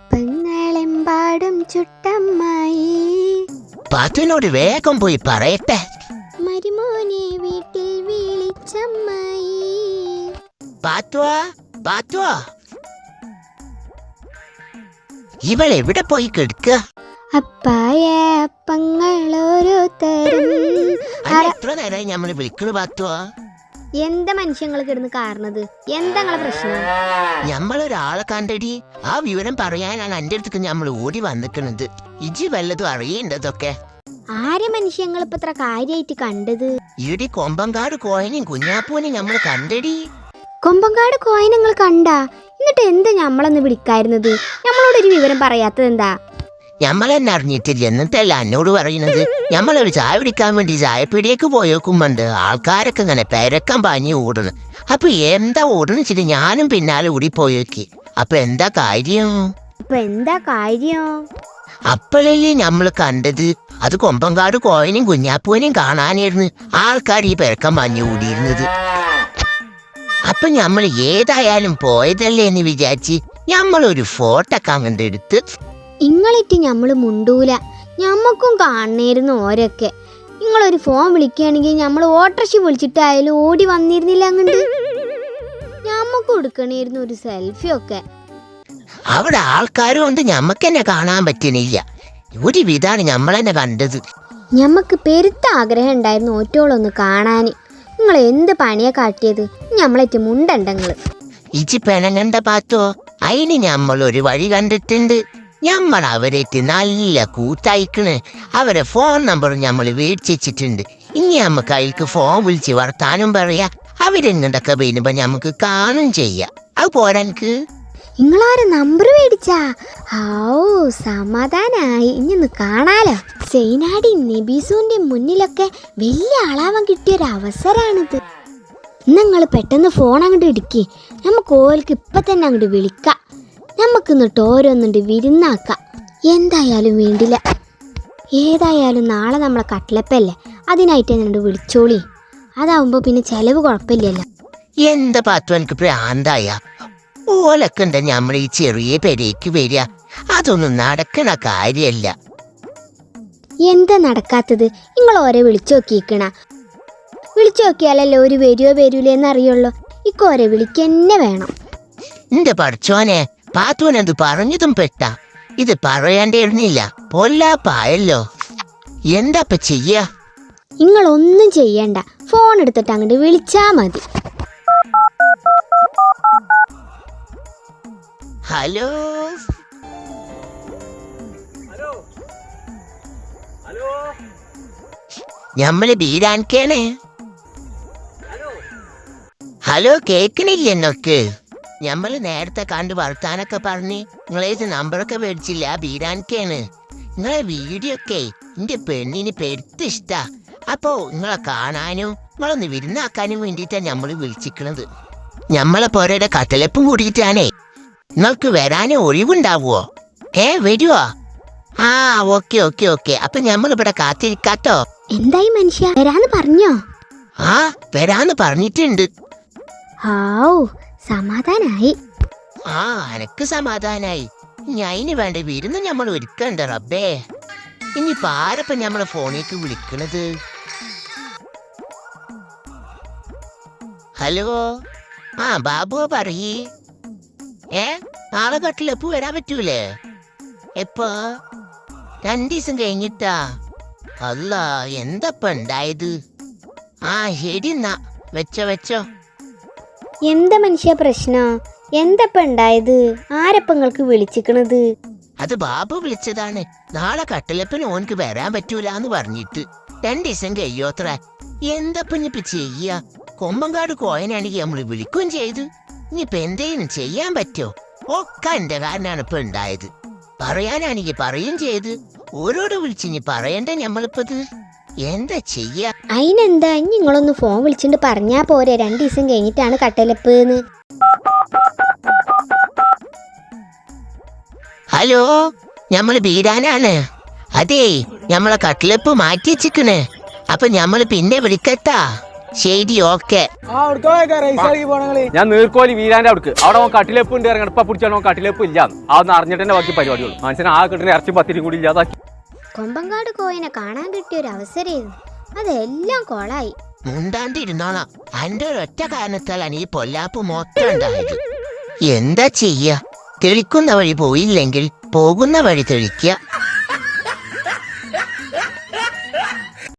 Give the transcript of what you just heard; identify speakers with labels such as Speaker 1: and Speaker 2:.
Speaker 1: അപ്പങ്ങളെമ്പാടും ചുട്ടമ്മായി.
Speaker 2: പാത്തുവിനോട് വേഗം പോയി പറയട്ടെ.
Speaker 1: മരുമോനെ വീട്ടിൽ വിളിച്ചമ്മായി.
Speaker 2: പാത്തുവാ, പാത്തുവാ, ഇവളെവിടെ പോയി കിടക്കുക?
Speaker 1: അപ്പായ അപ്പങ്ങൾ ഓരോരുത്തരും.
Speaker 2: എത്ര നേരമായി ഞമ്മള് വിളിക്കണു പാത്തുവാ?
Speaker 1: എന്താ മനുഷ്യങ്ങൾ കിടന്ന് കാരണത്? എന്താ നിങ്ങളെ പ്രശ്നം?
Speaker 2: ഞമ്മളൊരാളെ കണ്ടടി, ആ വിവരം പറയാനാണ് എന്റെ അടുത്തേക്ക് ഞമ്മൾ ഓടി വന്നിക്കണത്. ഇജി വല്ലതും അറിയേണ്ടതൊക്കെ.
Speaker 1: ആരെ മനുഷ്യങ്ങൾ ഇപ്പൊ ഇത്ര കാര്യായിട്ട് കണ്ടത്?
Speaker 2: ഈടി കൊമ്പങ്കാട് കോയനെയും കുഞ്ഞാപ്പൂനെയും ഞമ്മൾ കണ്ടടി.
Speaker 1: കൊമ്പങ്കാട് കോയ നിങ്ങൾ കണ്ടാ? എന്നിട്ട് എന്താ ഞമ്മളൊന്ന് വിളിക്കായിരുന്നത്? ഞമ്മളോടൊരു വിവരം പറയാത്തത് എന്താ?
Speaker 2: ഞമ്മളെന്നെ അറിഞ്ഞിട്ടില്ല, എന്നിട്ടല്ല എന്നോട് പറയുന്നത്. ഞമ്മളൊരു ചായ പിടിക്കാൻ വേണ്ടി ചായപ്പീടിയേക്ക് പോയേക്കുമ്പോണ്ട് ആൾക്കാരൊക്കെ ഇങ്ങനെ പെരക്കം പാഞ്ഞ് ഓടണ്. അപ്പൊ എന്താ ഓടണിച്ചിട്ട് ഞാനും പിന്നാലെ ഓടി പോയേക്ക്. അപ്പൊ എന്താ കാര്യം? അപ്പോഴല്ലേ ഞമ്മള് കണ്ടത് അത് കൊമ്പങ്കാട് കോയനെയും കുഞ്ഞാപ്പൂനെയും കാണാനായിരുന്നു ആൾക്കാർ ഈ പെരക്കം പാഞ്ഞ് ഓടിയിരുന്നത്. അപ്പൊ ഞമ്മൾ ഏതായാലും പോയതല്ലേ എന്ന് വിചാരിച്ച് ഞമ്മളൊരു ഫോട്ടോ ഒക്കെ അങ്ങോട്ട് എടുത്ത്.
Speaker 1: ഇങ്ങളിട്ട് ഞമ്മള് മുണ്ടൂല, ഞമ്മക്കും കാണണേരുന്നു ഓരൊക്കെ. നിങ്ങളൊരു ഫോൺ വിളിക്കുകയാണെങ്കിൽ ഞമ്മൾ ഓട്ടോറിക്ഷ വിളിച്ചിട്ടായാലും ഓടി വന്നിരുന്നില്ല അങ്ങോട്ട്. ഞമ്മക്കും എടുക്കണേരുന്നു ഒരു സെൽഫി ഒക്കെ.
Speaker 2: അവിടെ ആൾക്കാരും കൊണ്ട് ഞമ്മക്കെന്നെ കാണാൻ പറ്റണില്ല. ഒരു വിധാണ് ഞമ്മളെന്നെ കണ്ടത്.
Speaker 1: ഞമ്മക്ക് പെരുത്ത ആഗ്രഹം ഉണ്ടായിരുന്നു ഓറ്റോളൊന്ന് കാണാന്. നിങ്ങൾ എന്ത് പണിയാ കാട്ടിയത്? ഞമ്മളേറ്റ് മുണ്ടണ്ടങ്ങള്.
Speaker 2: ഇച്ചി പെണങ്ങണ്ട പാത്തോ, അതിന് ഞമ്മളൊരു വഴി കണ്ടിട്ടുണ്ട്. ഞമ്മൾ അവരേറ്റ് നല്ല കൂത്തയക്കണ്. അവരെ ഫോൺ നമ്പർ ഞമ്മൾ മേടിച്ചിട്ടുണ്ട്. ഇനി നമുക്ക് അയൽക്ക് ഫോൺ വിളിച്ച് വർത്താനം പറയാ. അവരെങ്ങണ്ടൊക്കെ വരുമ്പോ ഞമ്മക്ക് കാണും ചെയ്യാം. അത് പോരാൻക്ക്.
Speaker 1: നിങ്ങളാരെ നമ്പർ മേടിച്ചാ? സമാധാനായി. ഇനി കാണാലോ. സൈനാടി നബീസുവിന്റെ മുന്നിലൊക്കെ വലിയ ആളാവാൻ കിട്ടിയൊരു അവസരാണിത്. നിങ്ങൾ പെട്ടെന്ന് ഫോൺ അങ്ങോട്ട് ഇടുക്കി. നമുക്ക് ഓൽക്ക് ഇപ്പൊ തന്നെ അങ്ങോട്ട് വിളിക്കാം. നമുക്കിന്നിട്ട് ഓരോന്നുണ്ട് വിരുന്നാക്കാം. എന്തായാലും വേണ്ടില്ല. ഏതായാലും നാളെ നമ്മളെ കട്ട്ലപ്പല്ലേ, അതിനായിട്ട് എന്നോട് വിളിച്ചോളി. അതാവുമ്പോ പിന്നെ ചെലവ് കുഴപ്പമില്ലല്ലോ.
Speaker 2: എന്താ പാത്തു എനിക്ക് പ്രാന്തായ? ഓലൊക്കെ ഉണ്ട് ഞമ്മൾ ഈ ചെറിയ പെരേക്ക് വരിക. അതൊന്നും നടക്കണ കാര്യല്ല.
Speaker 1: എന്താ നടക്കാത്തത്? നിങ്ങൾ ഓരെ വിളിച്ചു നോക്കിക്കണ. വിളിച്ചു നോക്കിയാലല്ലോ ഒരു വരുവോ വരൂലെന്ന് അറിയുള്ളൂ. ഇക്കോരെ വിളിക്കന്നെ വേണം.
Speaker 2: എന്റെ പഠിച്ചോനെ, പാത്തുവനെന്ത് പറഞ്ഞതും പെട്ട. ഇത് പറയേണ്ടിയിരുന്നില്ല. പൊല്ലാപ്പായല്ലോ. എന്താപ്പ ചെയ്യാ?
Speaker 1: നിങ്ങളൊന്നും ചെയ്യണ്ട. ഫോൺ എടുത്തിട്ട് അങ്ങോട്ട് വിളിച്ചാ മതി.
Speaker 2: ഹലോ, ഞമ്മള് ബീരാൻകേണേ. ഹലോ, കേക്കണില്ലേ എന്നൊക്കെ? ഞമ്മള് നേരത്തെ കണ്ട് വർത്താനൊക്കെ പറഞ്ഞ് നിങ്ങളേത് നമ്പറൊക്കെ മേടിച്ചില്ല. ബീരാൻകേണ്. നിങ്ങളെ വീഡിയോ ഒക്കെ എന്റെ പെണ്ണിന് പെരുത്ത് ഇഷ്ടാ. അപ്പോ നിങ്ങളെ കാണാനും നിങ്ങളൊന്ന് വിരുന്നാക്കാനും വേണ്ടിയിട്ടാണ് ഞമ്മള് വിളിച്ചിക്കണത്. ഞമ്മളെ പോരയുടെ കട്ടലപ്പും കൂടിയിട്ടാണേ. നിങ്ങൾക്ക് വരാനേ ഒഴിവുണ്ടാവുമോ? വരുവോ? Okay okay okay. അപ്പൊ ഞമ്മളിവിടെ കാത്തിരിക്കാട്ടോ.
Speaker 1: എന്തായി മനുഷ്യ, വരാന്ന് പറഞ്ഞോ?
Speaker 2: വരാന്ന് പറഞ്ഞിട്ടുണ്ട്.
Speaker 1: സമാധാനായി.
Speaker 2: എനക്ക് സമാധാനായി. ഇനി അതിന് വേണ്ട വിരുന്ന് ഞമ്മൾ ഒരുക്കണ്ട റബ്ബേ. ഇനിയിപ്പോ ആരപ്പ ഞമ്മളെ ഫോണിലേക്ക് വിളിക്കണത്? ഹലോ, ബാബു പറയ്. നാളെ കട്ടിലെപ്പൂ വരാൻ പറ്റൂലേ? എപ്പോ? 2 ദിവസം കഴിഞ്ഞിട്ടാ? അല്ല, എന്തപ്പ ഉണ്ടായത്? ശരി എന്നാ, വെച്ചോ.
Speaker 1: എന്താ മനുഷ്യ പ്രശ്നം? എന്തപ്പ ഉണ്ടായത്? ആരപ്പങ്ങൾക്ക് വിളിച്ചിക്കണത്?
Speaker 2: അത് ബാബു വിളിച്ചതാണ്. നാളെ കട്ടിലപ്പന് ഓൻക്ക് വരാൻ പറ്റൂലെന്ന് പറഞ്ഞിട്ട് 2 ദിവസം കഴിയോത്ര. എന്തപ്പ ഇനിയിപ്പ ചെയ്യാ? കൊമ്പങ്കാട് കോയനാണെങ്കിൽ നമ്മള് വിളിക്കുകയും ചെയ്തു. ഇനിയിപ്പ എന്തേലും ചെയ്യാൻ പറ്റോ? ഒക്കെ എന്റെ കാരനാണ് ഇപ്പൊ ഉണ്ടായത്. പറയാനാണെങ്കിൽ പറയും ചെയ്ത്. ഓരോട് വിളിച്ചിനി പറയണ്ടേ ഞമ്മളിപ്പത്? എന്താ ചെയ്യാ?
Speaker 1: അതിനെന്താ, നിങ്ങളൊന്ന് ഫോൺ വിളിച്ചിട്ട് പറഞ്ഞാ പോരെ 2 ദിവസം കഴിഞ്ഞിട്ടാണ് കട്ടലപ്പ്.
Speaker 2: ഹലോ, ഞമ്മള് ബീരാനാണ്. അതേ, ഞമ്മളെ കട്ടിലപ്പ് മാറ്റി വെച്ചിക്കണ്. അപ്പൊ ഞമ്മള് പിന്നെ വിളിക്കട്ടാ. ശരി ഓക്കെ.
Speaker 3: ഞാൻ നീർക്കോലി വീരാന്റെ അവിടേക്ക് അവിടെ കട്ടിലെപ്പ് ഉണ്ട് ഇറങ്ങണം. ഇപ്പൊ പിടിച്ചാൽ കട്ടിലെപ്പ് ഇല്ല. അതൊന്ന് അറിഞ്ഞിട്ട് തന്നെ ബാക്കി പരിപാടികൾ മനസ്സിന് ആ കിട്ടുന്ന ഇറച്ചി പത്തിരി കൂടി ഇല്ലാതാക്കി.
Speaker 1: കൊമ്പങ്കാട് കോയിനെ കാണാൻ കിട്ടിയ ഒരു അവസരമായിരുന്നു, അതെല്ലാം കൊളായി.
Speaker 2: മുണ്ടാണ്ടിരുന്നോളാം. എന്റെ ഒരൊറ്റ കാരണത്താലാണ് ഈ പൊല്ലാപ്പ് മൊത്തം ഉണ്ടായത്. എന്താ ചെയ്യ? തെളിക്കുന്ന വഴി പോയില്ലെങ്കിൽ പോകുന്ന വഴി തെളിക്കുക.